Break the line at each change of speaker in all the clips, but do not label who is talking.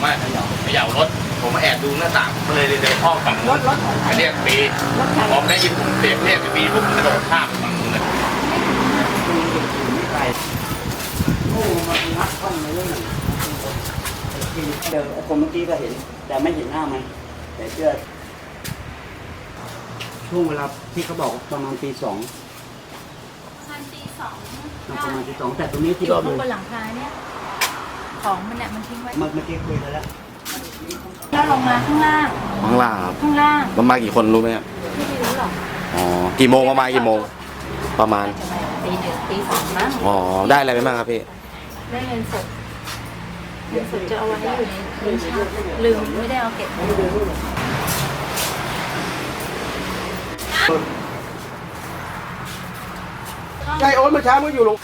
ว่าเขย่ารถผมมาแอบดูหน้าต่างผมเลยเดินห้องฝั่งนู้นเรียกปีพอได้ยินผมเสียงเรียกปีผมกระโดดข้ามฝั่งนู้นเลย
โอ้มันงัดห้องเลยเดี๋ยวคนเมื่อกี้ก็เห็นแต่ไม่เห็นหน้ามันแต่เชื่อช่วงเวลาที่เขาบอกประมาณตีสอง ประมาณตีสองแต่ตรงนี้ที่
อยู่
เรา
ข้างบนหลังคาเนี่ยของมันเนี่ยมันทิ้งไว้
เมื่อกี้คุยกันแล้ว
แล้วลงมาข้างล่าง
ข้างล่างครับ
ข้างล่าง
ประมาณกี่คนรู้ไหมครับ
ไม่ได้รู้หรอก
อ๋อกี่โมงประมาณกี่โมงประมาณ
จะมาตีหนึ่งตีสองมั้ง
อ๋อได้อะไรไปบ้างครับพี่
ได้เงินสดเงินสดจะเอาไว้อยู่ในลิ้นชักลืมไม่ได้เอาเก็บไว้
ไอโอ๊ตเมื่อเช้ามันอยู่ลง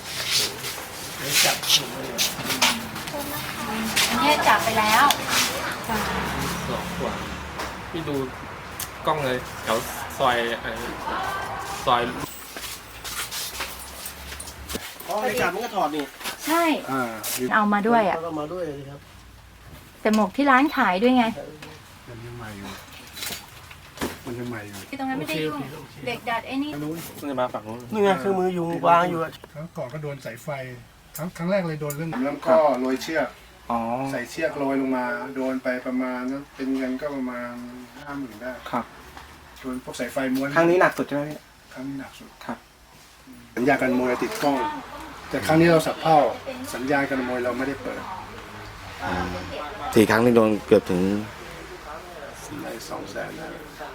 อันนี้จับไปแล้ว
พี่ดูกล้องเลยแถวซอยซอย
อ๋อในกาดมันก็ถอดนี่
ใช่
เอา
เอามาด้วยอ่ะ
ก็มาด้วยครับ
แต่หมวกที่ร้านขายด้วยไง
มันยังใหม่อยู่มันยังใหม่อยู่
ที่ตรงนั้นไม่ได้ยุ่งเด็กดัดไอ้นี่
มันจะมาฝั่งนู้น
นี่ไงเครื่องมืออยู่วางอยู่อะ
ครั้งก่อนก็โดนสายไฟครั้งแรกเลยโดนเรื่องแล้วก็โรยเชือก
อ๋อ
ใส่เชือกโรยลงมาโดนไปประมาณนั้นเป็นเงินก็ประมาณ50,000ได้
ครับ
โดนพวกสายไฟม้วน
ครั้งนี้หนักสุดใช่ไหมพี่
ครั้งนี้หนักสุด
ครับ
สัญญาการมวยติดกล้อง แต่ครั้งนี้เราสับเผ่าสัญญาการมวยเราไม่ได้เปิด
4 ครั้งนี่โดนเกือบถึง
ใน200,000นะ